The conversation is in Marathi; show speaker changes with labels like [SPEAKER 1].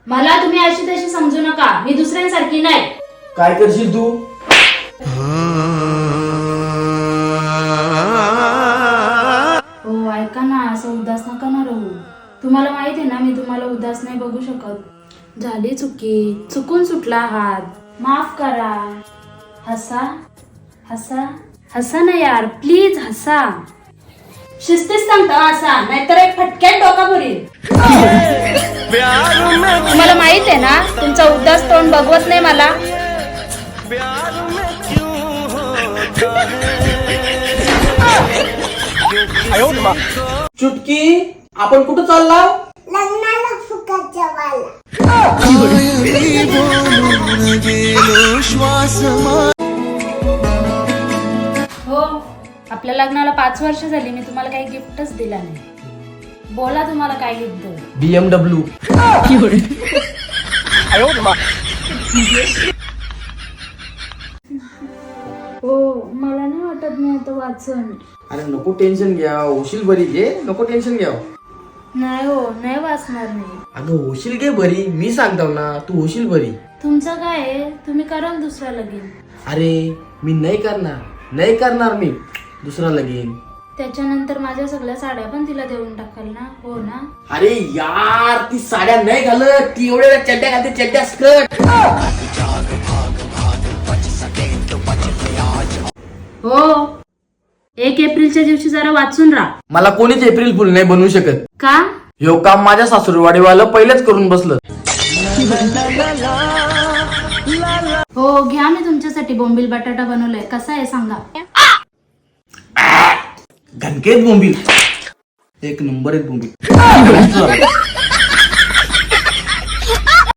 [SPEAKER 1] मला तुम्ही अशी तशी समजू नका, मी दुसऱ्यांसारखी नाही.
[SPEAKER 2] काय करशील तू?
[SPEAKER 1] हो ऐका ना, असं उदास नका ना राहू. तुम्हाला माहिती आहे ना, मी तुम्हाला उदास नाही बघू शकत. झाली चुकी, चुकून सुटला हात, माफ करा. हसा हसा हसा ना यार, प्लीज हसा. शिस्तीच सांगता हसा, नाहीतर एक फटक्यात डोका भरील. तुम्हाला माहित आहे ना, तुमचा उदास तोंड बघवत नाही मला.
[SPEAKER 2] चुटकी, आपण कुठं चालला?
[SPEAKER 3] लग्नाला फुकट जेवायला.
[SPEAKER 1] हो, आपल्या लग्नाला 5 वर्ष झाली, मी तुम्हाला काही गिफ्टच दिला नाही. बोला तुम्हाला काय गिफ्ट देऊ.
[SPEAKER 2] BMW.
[SPEAKER 1] हो, मला नाही वाटत मी आता वाचन.
[SPEAKER 2] अरे नको टेन्शन घ्या, होशील बरी. घे, नको टेन्शन घ्या.
[SPEAKER 1] नाही हो, नाही वाचणार मी.
[SPEAKER 2] अगं होशील घे बरी, मी सांगतो ना, तू होशील बरी.
[SPEAKER 1] तुमचं काय आहे, तुम्ही कराल दुसरा लगीन.
[SPEAKER 2] अरे मी नाही करणार मी दुसरा लगीन.
[SPEAKER 1] त्याच्यानंतर माझ्या सगळ्या साड्या पण तिला देऊन टाकाल ना, हो ना.
[SPEAKER 2] अरे यार, ती साड्या नाही घालत, ती एवढ्या चड्ड्या घालते, चड्ड्या स्कर्ट.
[SPEAKER 1] हो, 1 एप्रिलच्या दिवशी जरा वाचून राहा.
[SPEAKER 2] मला कोणीच एप्रिल फुल नाही बनवू शकत.
[SPEAKER 1] का?
[SPEAKER 2] ह्यो काम माझ्या सासूरवाडीवालं पहिलेच करून बसलं.
[SPEAKER 1] हो, घ्या, मी तुमच्यासाठी बोंबील बटाटा बनवलाय. कसा आहे सांगा.
[SPEAKER 2] घनकेत बोंबील, एक नंबर एक बोंबील.